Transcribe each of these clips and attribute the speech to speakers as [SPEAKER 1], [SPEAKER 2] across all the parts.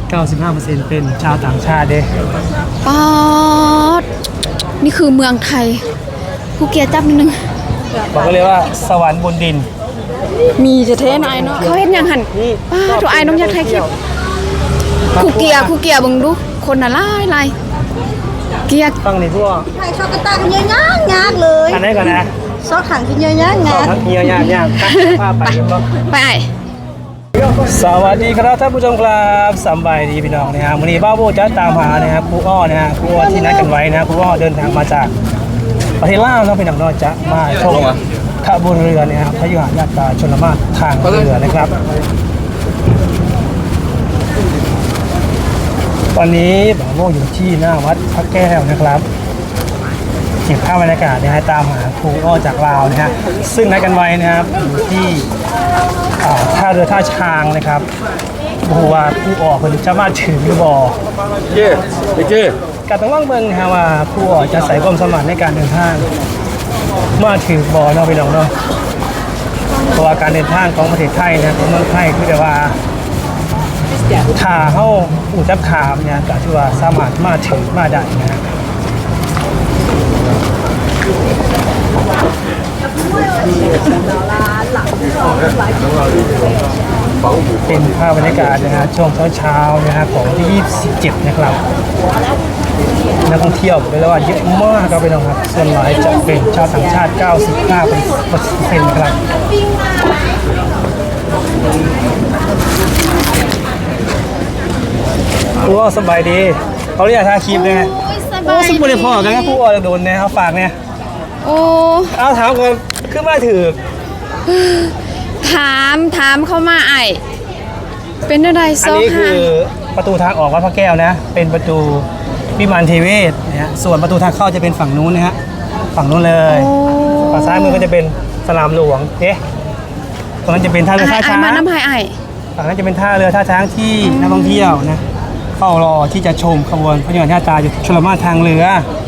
[SPEAKER 1] 95%เป็นชาวต่างชาติเด้
[SPEAKER 2] ป๊อดนี่คือเมืองไทยภูเก็ตจับนิดนึง
[SPEAKER 1] บอกเลยว่าสวรรค์บนดิน
[SPEAKER 2] มีจะเทนไอเนาะเขาเห็นยังหันป้าตัวไอ้น้องยักษ์ไทยคลิปคูเกียบึงดูคนน่ะไล่เกีย
[SPEAKER 1] ฟังนี่พวก
[SPEAKER 3] ไทยชอบกระตังเยอะยากเลย
[SPEAKER 1] อันนี้ก่อนนะ
[SPEAKER 3] ซอกถังที่เยอะยาก
[SPEAKER 1] ซอกเยอะยากพาไป
[SPEAKER 2] ไป
[SPEAKER 1] สวัสดีครับท่านผู้ชมครับสบายดีพี่น้องนะครับวันนี้บ้าโบจะตามหานะครับครูอ้อนะฮะครูอ้อที่นัดกันไว้นะครูอ้อเดินทางมาจากประเทศลาวแล้วพี่น้องนอกจะมาชมขบวนเรือนะครับพยุหญาตราชลมารทางเรือนะครับตอนนี้บ้าโบอยู่ที่หน้าวัดพระแก้วนะครับเก็บภาพบรรยากาศนะฮะตามหาครูอ้อจากลาวนะฮะซึ่งนัดกันไว้นะครับอยู่ที่ท่าเรือท่าช้างนะครับบอกว่าผู้ออกคนจะมาถึงหรือบ่เย้การต้องว่างเมืองนะว่าผู้ออกจะใส่ความสมัครในการเดินทางมาถึงบ่อเนาะไปลองเนาะเพราะว่าการเดินทางของประเทศไทยนะของเมืองไทยคือแต่ว่าถ้าเข้าอู่จับขามเนี่ยก็ถือว่าสามารถมาถึงมาได้นะฮะเป็นภาพบรรยากาศนะฮะช่วงเช้านะฮะของที่27นะครับนักท่องเที่ยวเรียกว่าเยอะมากครับพี่น้องครับส่วนใหญ่จะเป็นชาวต่างชาติ95%ครับผู้ว่าสบายดีเขาเรียกท่าคีบเลยฮะโอ้สมบูรณ์พอกันนะผู้ว่าจะโดนเนี่ยเอาฝากเนี่ย
[SPEAKER 2] โอ้
[SPEAKER 1] เอาถามก่อนขึ้นมาถือ
[SPEAKER 2] ถามเข้ามาไอเป็นอะไร
[SPEAKER 1] อันนี้คือประตูทางออกวัดพระแก้วนะเป็นประตูวิมานเทเวศนะฮะส่วนประตูทางเข้าจะเป็นฝั่งนู้นนะฮะฝั่งนู้นเลยฝั่งซ้ายมือก็จะเป็นสนามหลวงตรงนั้นจะเป็นท่าเรือท่าช้าง
[SPEAKER 2] มาน้ำพายไอ
[SPEAKER 1] ฝั่งนั้นจะเป็นท่าเรือท่าช้างที่นักท่องเที่ยวนะเข้ารอที่จะชมขบวนพระยนต์ญาตราอยู่ชลมารทางเรือ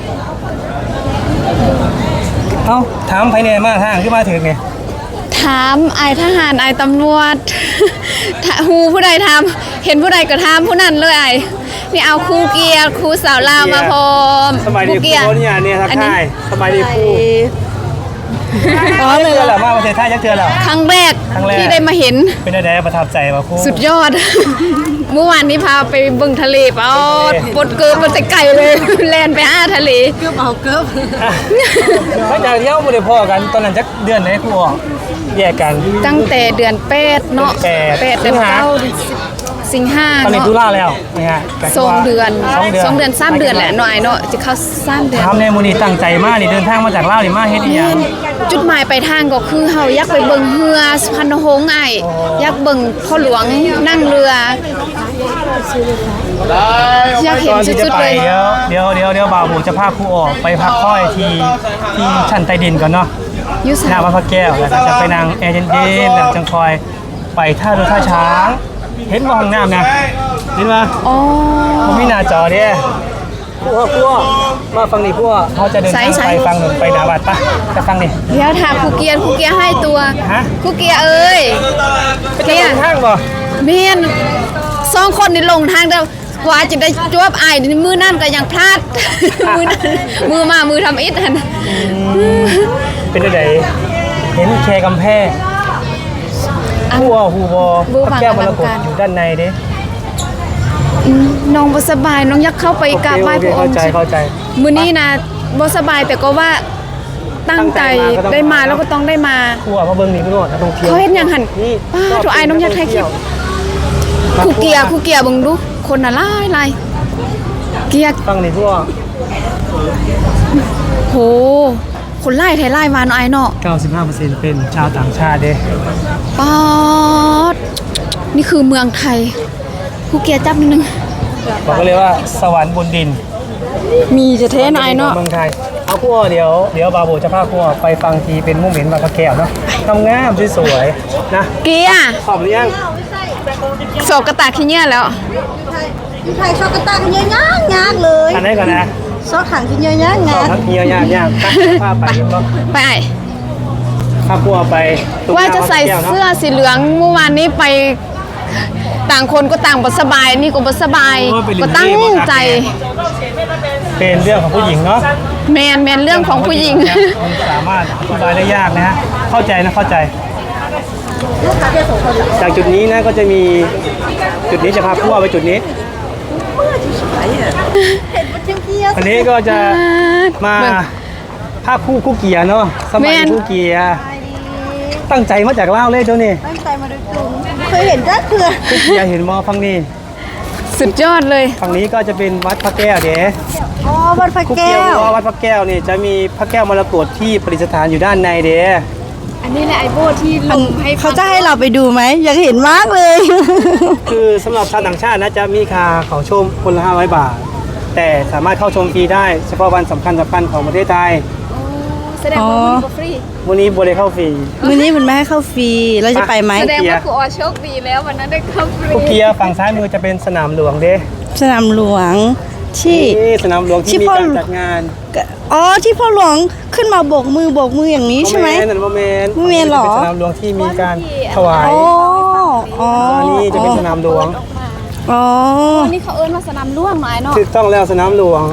[SPEAKER 1] เอ้าถามภายในมาทางที่มาถึงไง
[SPEAKER 2] ถามไอทหารไอตำรวจฮูผู้ใดทำเห็นผู้ใดก็ทำผู้นั้นเลยไอนี่เอาครูเกียร์ครูสาวลาวมาพร้อม
[SPEAKER 1] สบายดีครูเนี่ยทักทายสบายดีครูเลยแหละมาประเทศไทยยักเทือแล้ว
[SPEAKER 2] ครั้งแรกที่ได้มาเห็น
[SPEAKER 1] เป็นอะไรประทับใจป่ะครู
[SPEAKER 2] สุดยอดเมื่อวานนี้พาไปบึงทะเลปอดบดเกิบมันจะไกลเลยแลนไปทะเล
[SPEAKER 3] เกือบเอาเกือบ
[SPEAKER 1] ไม่จากเที่ยวไม่ได้พอกันตอนนั้นจักเดือนไหนครูแยกกัน
[SPEAKER 2] ตั้งแต่เดือน8เนาะ8เดือน9สิงหา
[SPEAKER 1] ตอนนี้ตุลาแล้วนะฮะ
[SPEAKER 2] 2 เดือน3 เดือนแหละหน่อยเนาะจะเข้า3 เดือน
[SPEAKER 1] ทำในมูนีตั้งใจมากนี่เดินทางมาจากลาวนี่มาเฮ็ดอีหยัง
[SPEAKER 2] จุดหมายปลายทางก็คือเฮาอยากไปเบิ่งเรือสุพรรณหงส์ไออยากเบิ่งพ่อหลวงนั่งเรืออยากเห็นสุดๆเลย
[SPEAKER 1] เดี๋ยวบ่าวหมูจะพาครูออกไปพักค่อยที่ชั้นใต้ดินก่อนเนาะหน้าวัดพระแก้วแล้วก็จะไปนั่งแอร์เย็นๆแล้วจังคอยไปท่าเรือท่าช้างเห็นว่าห้องน้ำนะเห็นไหม
[SPEAKER 2] อ๋อ
[SPEAKER 1] ผมมีหน้าจอเนี่ยพวกมาฟังนี่พวกเขาจะเดินทางไปฟังหนึ่งไปดาบัดปะจะฟังนี่
[SPEAKER 2] เดี๋ยวถามครูเกียร์ให้ตัวครูเกียร์เอ้ย
[SPEAKER 1] เกียร์ทางบ่
[SPEAKER 2] เมียน2 คนนี่ลงทางเดียวกว่าจะได้จวบไอ้มือนั่นก็ยังพลาดมือทำอิฐ
[SPEAKER 1] เป็นอะไรเห็นแค่กำแพงหูพระแก้วมรกตอยู่ด้านในดิ
[SPEAKER 2] น้องบ่สบายน้องอยากเข้าไปกราบไหว้พระองค์
[SPEAKER 1] เข้าใจ
[SPEAKER 2] มื้อนี้นะบ่สบายแต่ก็ว่าตั้งใจได้มาแล้วก็ต้องได้มา
[SPEAKER 1] ครูมาเบิ่งนี่พี่น้องนักท่องเที่ยว
[SPEAKER 2] เขาเห็นยังหันป้าตัวไอ้น้องยักษ์ไทยคลิปครูเกียร์บึงดูคนน่ะไล่เกียร์
[SPEAKER 1] ฟังนี่พวก
[SPEAKER 2] โหคนไล่ไทยไล่มาเนาะไอ้เนาะ
[SPEAKER 1] 95%เป็นชาวต่างชาติเด้
[SPEAKER 2] ป๊อดนี่คือเมืองไทยครูเกียร์จับนิดนึง
[SPEAKER 1] บอกเลยว่าสวรรค์บนดิน
[SPEAKER 2] มีจะเทนไอเนาะ
[SPEAKER 1] เมืองไทยเอาครูเดี๋ยวบาโบจะพาครูไปฟังทีเป็นมุมเห็นวัดพระแก้วเนาะทำงามสวยๆนะ
[SPEAKER 2] เกียร์
[SPEAKER 1] หอมหรือยัง
[SPEAKER 2] โศกระตากขี้เงี้ยแล้ว
[SPEAKER 3] ไทยชอบกระตังเยอะยากเลย
[SPEAKER 1] อันนี้ก่อนนะ
[SPEAKER 3] ซอกถังที่เยอะยาก
[SPEAKER 1] ซอกถังเยอะยากพาไป
[SPEAKER 2] พาครูไปว่าจะใส่เสื้อสีเหลืองเมื่อวานนี้ไปต่างคนก็ต่างบ่สบายนี่ก็บ่สบายก็ตั้งใจ
[SPEAKER 1] เป็นเรื่องของผู้หญิงเนาะ
[SPEAKER 2] แมนเรื่องของผู้หญิง
[SPEAKER 1] มันสามารถอธิบายได้ยากนะฮะเข้าใจนะเข้าใจ จากจุดนี้นะก็จะมีจุดนี้จะพาพวกไปจุดนี้ อันนี้ก็จะมาภาพคู่เกียร์เนาะสมัยคู่เกียร์ตั้งใจมาจากลาวเลยเจ้านี่
[SPEAKER 3] ตั้งใจมาโดยตรงเคยเห็นจ้าเถื่อ
[SPEAKER 1] คู่เกียร์เห็นมอฟังนี่
[SPEAKER 2] สุดยอดเลย
[SPEAKER 1] ฝั่งนี้ก็จะเป็นวัดพระแก้วเด้
[SPEAKER 3] อ๋อวัดพระ
[SPEAKER 1] คู่
[SPEAKER 3] แก้
[SPEAKER 1] เกียร์
[SPEAKER 3] ว
[SPEAKER 1] วัดพระแก้วนี่จะมีพระแก้วมรกตที่ประดิษฐานอยู่ด้านในเด้
[SPEAKER 2] อันนี้แหละไอโบที่ลงให้
[SPEAKER 3] เขาจะให้เราไปดูไหมอยากเห็นมากเลย
[SPEAKER 1] คือสำหรับชาวต่างชาตินะจะมีค่าเขาชมคนละ500 บาท แต่สามารถเข้าชมฟรีได้เฉพาะวันสำคัญของประเทศไทย
[SPEAKER 2] แสดงว่ามันฟรี
[SPEAKER 1] วันนี้บริเข้าฟรี
[SPEAKER 3] มื้อนี้มันไม่ให้เข้าฟรีเราจะไปไหม
[SPEAKER 2] แสดงว่าครูออโชคดีแล้ววันนั้นได้เข้าฟรี
[SPEAKER 1] คู่เกียร์ฝั่งซ้ายมือจะเป็นสนามหลวงเด้
[SPEAKER 3] สนามหลวงที่
[SPEAKER 1] นี่สนามหลวงที่
[SPEAKER 3] ที่
[SPEAKER 1] มี
[SPEAKER 3] พ่อ
[SPEAKER 1] การจัดงาน
[SPEAKER 3] อ๋อที่พ่อหลวงขึ้นมาโบกมืออย่างนี้ใช่ไหม
[SPEAKER 1] โมเมนต์
[SPEAKER 3] โมเมนต์เหรอ
[SPEAKER 1] เป็นสนามหลวงที่มีการถวาย
[SPEAKER 3] อ๋ออ๋อ
[SPEAKER 1] อันนี้จะเป็นสนามหลวง
[SPEAKER 3] อ๋อ
[SPEAKER 2] อันนี้เขาเอิ้นว่าสนามล่วงหมายเนาะ
[SPEAKER 1] ถูกต้องแล้วสนามหลวง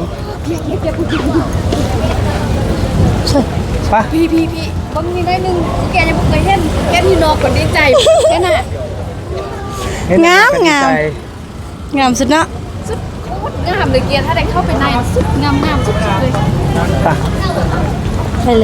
[SPEAKER 1] ไปะ
[SPEAKER 2] พี่บางทีได้หนึ่งแกยังบ่เคยเห็นแกที่นอกก็ดีใจแค่น่ะ
[SPEAKER 3] งามงามสุดเนาะ
[SPEAKER 2] สุดโคตรงามเลยเกียร์ถ้าได้เข้าไปในสุดงามสุดเลย
[SPEAKER 1] ไป
[SPEAKER 3] ไปเลย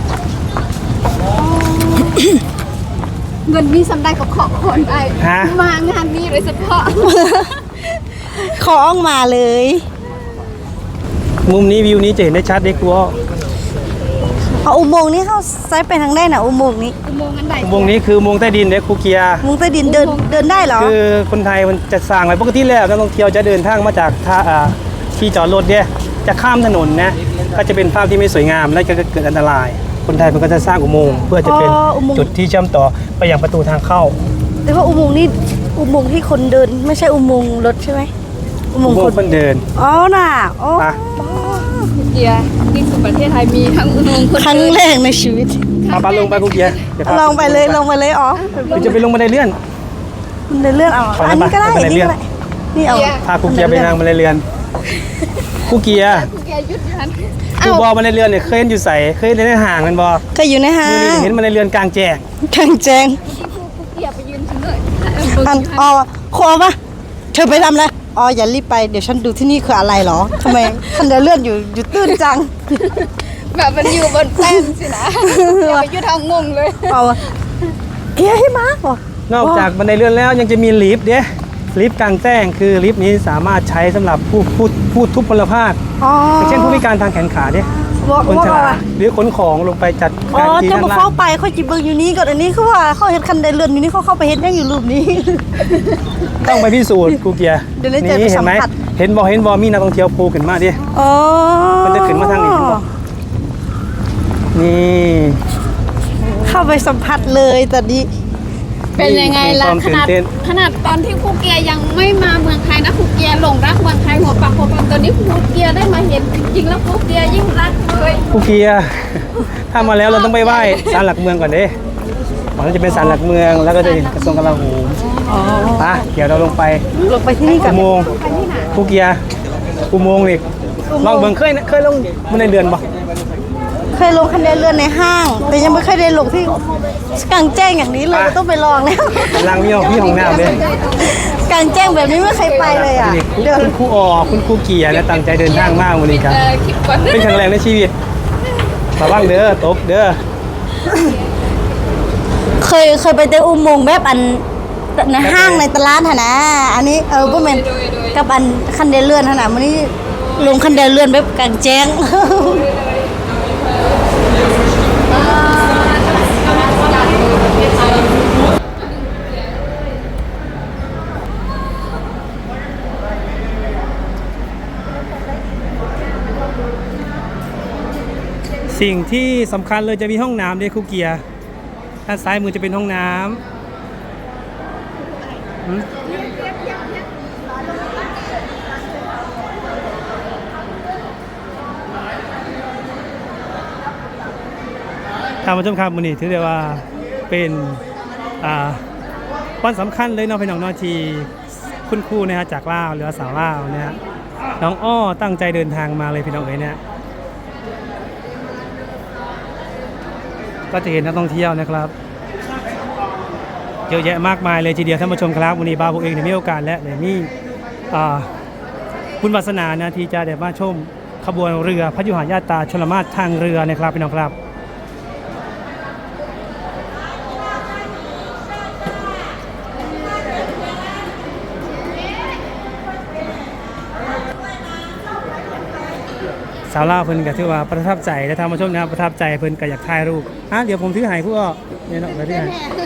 [SPEAKER 2] เงินมีสำได้กับขอคนไอ
[SPEAKER 1] ฮะ
[SPEAKER 2] มางานนี้โดยเฉพาะ
[SPEAKER 3] ขอออกมาเลย
[SPEAKER 1] มุมนี้วิวนี้จะเห็นได้ชัดเด็กกูว่า
[SPEAKER 3] เอาอุโมงค์นี้เข้าซ้ายไปทางได้นะอุโมงค์นี้
[SPEAKER 2] อุโมงค์อันใด
[SPEAKER 1] อุโมงค์นี้คืออุโมงค์ใต้ดินเด็กคูเกียร์
[SPEAKER 3] อุโมงค์ใต้ดินเดินได้เหรอ
[SPEAKER 1] คือคนไทยมันจะสร้างไว้ปกติแล้วนักท่องเที่ยวจะเดินทางมาจากท่าที่จอดรถเนี่ยจะข้ามถนนนะก็จะเป็นภาพที่ไม่สวยงามและจะเกิดอันตราย คนไทยมันก็จะสร้างอุโมงค์เพื่อจะเป็นจุดที่เชื่อมต่อไปยังประตูทางเข้า
[SPEAKER 3] แต่ว่าอุโมงค์นี้อุโมงค์ที่คนเดินไม่ใช่อุโมงค์รถใช่ไหมอุโม
[SPEAKER 1] อุ
[SPEAKER 3] งค์
[SPEAKER 1] โม
[SPEAKER 3] ค
[SPEAKER 1] ง
[SPEAKER 3] น
[SPEAKER 1] ค์คนเดิน
[SPEAKER 3] อ๋อน่ะอ๋อ
[SPEAKER 1] ไป
[SPEAKER 2] เกียร์ที่สุดประเทศไทยมีทั้งอุโมงค์คน
[SPEAKER 3] ครั้ง
[SPEAKER 2] เดิน
[SPEAKER 3] แรกในชีวิต
[SPEAKER 1] เอาปลาลงไปคูเกียร์ดี๋ยวพา
[SPEAKER 3] ลองไปเลยอ๋อ
[SPEAKER 1] หรือจะไปลงบันไดเลื่อน
[SPEAKER 3] มันเดินเลื่อนเอา
[SPEAKER 1] ไปนะ
[SPEAKER 3] อันนี้ก็ได้
[SPEAKER 1] ไป
[SPEAKER 3] อันนี้
[SPEAKER 1] เลื่
[SPEAKER 3] ก็
[SPEAKER 1] อน
[SPEAKER 3] ได้นี่เอา
[SPEAKER 1] พาคูเกียร์ไปนั่งบันไดเลื่อนคูเกียร์
[SPEAKER 2] เกียร์ยุดทัน
[SPEAKER 1] คูบอบันไดเลื่อนเนี่ยเคยเห็นอยู่ใส่เคยเห็นในห่างมันบอ
[SPEAKER 3] ก็อยู่ในห้า
[SPEAKER 1] มือนี้
[SPEAKER 3] ง
[SPEAKER 1] เห็นบันไดเลื่อนกลางแจ้ง
[SPEAKER 3] กลางแจ้ง
[SPEAKER 2] เกียร์ไปยืนถึงเลย
[SPEAKER 3] อันอ๋อคอปะเธอไปทำอะไรอ๋ออย่ารีบไปเดี๋ยวฉันดูที่นี่คืออะไรเหรอทำไมคันเดินเลื่อนอยู่ตื้นจัง
[SPEAKER 2] แบบมันอยู่บนแป้นสินะอย่าไปยุดทางงงเลย
[SPEAKER 3] เอาเฮ้ยมาร์กว่ะ
[SPEAKER 1] นอกจากบันไดเลื่อนแล้วยังจะมีลิฟต์เด้ลิฟต์กลางแจ้งคือลิฟต์นี้สามารถใช้สำหรับผู้ทุพพลภาพ
[SPEAKER 3] อ๋อ
[SPEAKER 1] อย่างเช่นผู้พิการทางแขนขาเด้
[SPEAKER 3] ว่า
[SPEAKER 1] คนช
[SPEAKER 3] ว่า
[SPEAKER 1] ราหรือขนของลงไปจัด
[SPEAKER 3] อ๋อ
[SPEAKER 1] การที่
[SPEAKER 3] จะ
[SPEAKER 1] ด้าน
[SPEAKER 3] มา
[SPEAKER 1] ล่า
[SPEAKER 3] เฝ้าง ไปเขาจิเบิงอยู่นี้ก่อนอันนี้คือว่าเขาเห็นคันเดินเลื่อนอยู่นี่เขาเข้าไปเห็นยังอยู่รูปนี้
[SPEAKER 1] ต้องไปพิสูจน์กูเกียร์
[SPEAKER 3] เดี๋ยวได้เจอ
[SPEAKER 1] นี่
[SPEAKER 3] ไป
[SPEAKER 1] เห็นไหม
[SPEAKER 3] สัมผัส
[SPEAKER 1] เห็นบอมีนักท่องเที่ยวโผล่ขึ้นมาดิ
[SPEAKER 3] อ๋อ
[SPEAKER 1] มันจะขึ้นมาทางนี้เห็นบ่ นี่
[SPEAKER 3] เข้าไปสัมผัสเลยตอนนี้
[SPEAKER 2] เป็นยังไงล่ะ
[SPEAKER 1] มีความตื่นเต้น
[SPEAKER 2] ขนาดตอนที่ครูเกียร์ยังไม่มาเมืองไทยนะครูเกียร์หลงรักเมืองไทยหัวปากหัวปั๊มตอนนี้ครูเกียร์ได้มาเห็นจริงๆแล้วครูเกียร์ยิ่งรักเลย
[SPEAKER 1] กูเกียร์ ถ้ามาแล้วเราต้องไปไหว้ศาลหลักเมืองก่อนเด้ก่อนที่จะเป็นศาลหลักเมืองแล้วก็จะเห็นกระทรวงกลาโหม
[SPEAKER 3] อ๋อ
[SPEAKER 1] ไปเดี๋ยวเราลงไป
[SPEAKER 3] ลงไปที่นี่กั
[SPEAKER 1] อุ
[SPEAKER 3] น
[SPEAKER 1] โมงค์กูเกียร์อุโมงค์นี่ลองเบิ่งเคยลงบันไดเลื่อนบ่
[SPEAKER 3] เคยลงคันเดินเลื่อนในห้าง แต่ยังไม่เคยได้ลงที่กลางแจ้งอย่างนี้เลยต้องไปลองแล้ว
[SPEAKER 1] ลังมีห้องน้ำเด้
[SPEAKER 3] กลางแจ้งแบบนี้ไม่เคยไปเลยอ่ะ
[SPEAKER 1] นี่
[SPEAKER 3] เดิน
[SPEAKER 1] คุณครูคุณครูเกียร์เนี่ยตั้งใจเดินทางมากวันนี้ครับ
[SPEAKER 2] คลิปก่อน
[SPEAKER 1] เป็นครั้งแรกในชีวิตระวังเด้อตกเด้อ
[SPEAKER 3] เคยไปเจออุโมงค์แบบอันในห้างในตลาดหะนะอันนี้ก็เป็นกับอันคันเดินเลื่อนหะนะมันนี้ลงคันเดินเลื่อนแบบกลางแจ้ง
[SPEAKER 1] สิ่งที่สำคัญเลยจะมีห้องน้ำด้วยครูเกียร์ด้านซ้ายมือจะเป็นห้องน้ำหืมท่านผู้ชมครับมื้อนี้ถือได้ว่าเป็นวันสำคัญเลยเนาะพี่น้องเนาะที่คุณครูนะฮะจากลาวหรือสาวลาวนะฮะน้องอ้อตั้งใจเดินทางมาเลยพี่น้องเอ๋ยเนี่ยก็จะเห็นนักท่องเที่ยวนะครับเยอะแยะมากมายเลยทีเดียวท่านผู้ชมครับวันนี้บาผมเองได้มีโอกาสและได้มีบุญวาสนานะที่จะได้มาชมขบวนเรือพยุหญาตราชลมาศทางเรือนะครับพี่น้องครับสาวลาวเพิ่นก็ถือว่าประทับใจและท่านผู้ชมนะประทับใจเพิ่นก็อยากถ่ายรูปเดี๋ยวผมถือให้ผู้อ้อเนี่ยเนาะไปที่ไหน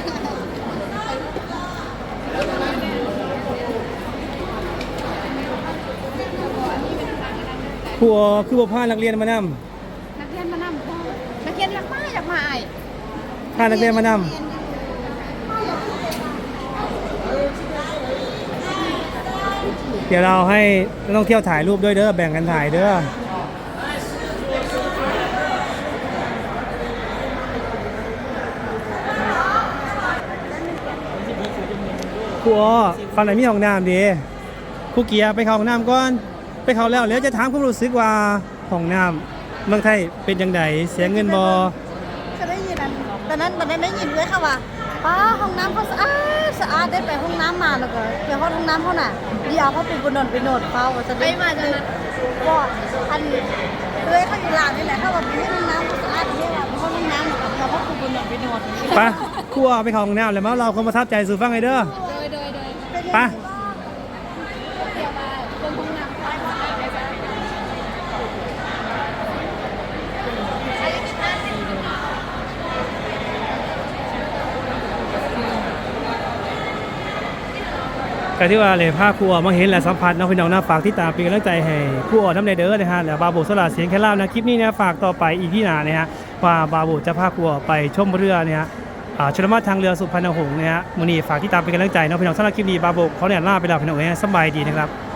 [SPEAKER 1] ผู้อ้อคือบ่พานักเรียนมานำ
[SPEAKER 2] นักเรียนมานำนักเรียนอยากมาไอ้
[SPEAKER 1] พานักเรียนมานำเดี๋ยวเราให้นักท่องเที่ยวถ่ายรูปด้วยเด้อแบ่งกันถ่ายเด้อครูอ้อฟังไหนมีห้องน้ำดีครูเกียร์ไปเข้าห้องน้ำก่อนไปเข้าแล้วจะถามความรู้สึกว่าห้องน้ำเมืองไทยเป็นยังไงเสียเงินบ่
[SPEAKER 3] ก็ได้ยินตอนนั้นได้ยินด้วยค่ะว่าป้าห้องน้ำเขาสะอาดได้ไปห้องน้ำมาแล้วก็ไปห้องน้ำเขาน่ะดีเอาเขาไปโนดเขาจะได้มาจากนั้นก็อันเลยเขาอยู่หลานนี่แหละเขาบอกไปห้องน้ำเขาสะอาดที่ว่าห้องน้ำแล้วก็เขาไปโนด
[SPEAKER 1] ไปครูอ้อไปเข้าห้องน้ำแล้วมาเราความประทับใจสู่ฟังไงเด้อไปก็ที่ว่าเลยภาคครูอ้อมาเห็นและสัมผัสน้องพี่น้องหน้าฝากที่ตามเป็นกำลังใจให้ครูอ้อน้ำในเด้อนะฮะแล้วบาโบสลาเสียงแค่เล่านะคลิปนี้นะฝากต่อไปอีกที่หนานะฮะว่าบาโบจะพาครูอ้อไปชมเรือเนี่ยชลมาศทางเรือสุพรรณหงษ์นะฮะมื้อนี้ฝากที่ตามเป็นกำลังใจน้องพี่น้องสำหรับคลิปนี้บาโบเขาเนี่ยลาไปแล้วพี่น้องสบายดีนะครับ